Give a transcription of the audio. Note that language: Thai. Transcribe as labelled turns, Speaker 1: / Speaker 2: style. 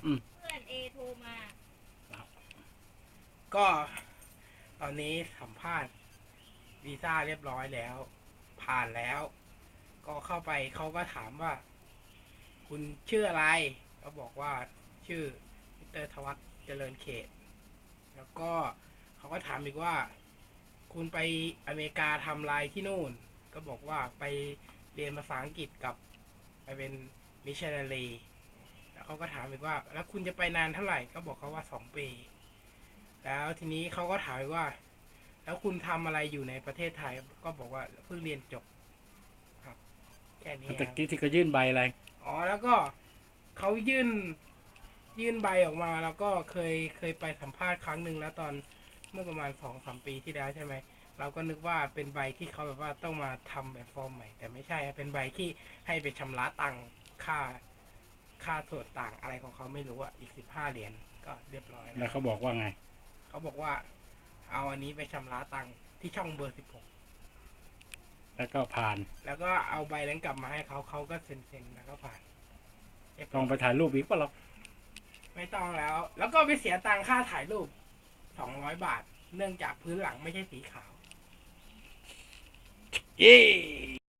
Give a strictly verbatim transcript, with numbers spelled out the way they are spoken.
Speaker 1: อืม
Speaker 2: เพื่อนเอโทรมา
Speaker 3: ก็ตอนนี้สัมภาษณ์วีซ่าเรียบร้อยแล้ว ผ่านแล้ว ก็เข้าไปเขาก็ถามว่า คุณชื่ออะไรก็บอกว่าชื่อมิสเตอร์ธวัฒน์เจริญเขต แล้วก็เขาก็ถามอีกว่า คุณไปอเมริกาทำอะไรที่นู่น ก็บอกว่าไปเรียนภาษาอังกฤษกับไปเป็นมิชชันนารีแล้วเขาก็ถามอีกว่า แล้วคุณจะไปนานเท่าไหร่ก็บอกเขาว่าสองปี แล้วทีนี้เขาก็ถามว่า แล้วคุณทำอะไรอยู่ในประเทศไทย ก็บอกว่าเพิ่งเรียนจบครับแค่นี้
Speaker 1: ตะกี้ที่เขายื่นใบอะไร
Speaker 3: อ๋อแล้วก็เขายื่นยื่นใบออกมา แล้วก็เคยเคยไปสัมภาษณ์ครั้งหนึ่งแล้วตอนเมื่อประมาณสองสามปีที่แล้วใช่ไหมเราก็นึกว่าเป็นใบที่เขาแบบว่าต้องมาทำแบบฟอร์มใหม่แต่ไม่ใช่เป็นใบที่ให้ไปชำระตังค่าค่าส่วนต่างอะไรของเขาไม่รู้อ่ะอีกสิบห้าเหรียญก็เรียบร้อย
Speaker 1: แล้วเขาบอกว่าไง
Speaker 3: เขาบอกว่า เอาอันนี้ไปชำระตังค์ที่ช่องเบอร์สิบหก
Speaker 1: แล้วก็ผ่าน
Speaker 3: แล้วก็เอาใบนั้นกลับมาให้เขาเขาก็เซ็นๆแล้วก็ผ่าน
Speaker 1: ต้องไปถ่ายรูปอีกป่ะหรอก
Speaker 3: ไม่ต้องแล้ว แล้วก็ไปเสียตังค่าถ่ายรูปสองร้อยบาท เนื่องจากพื้นหลังไม่ใช่สีขาว
Speaker 1: เย้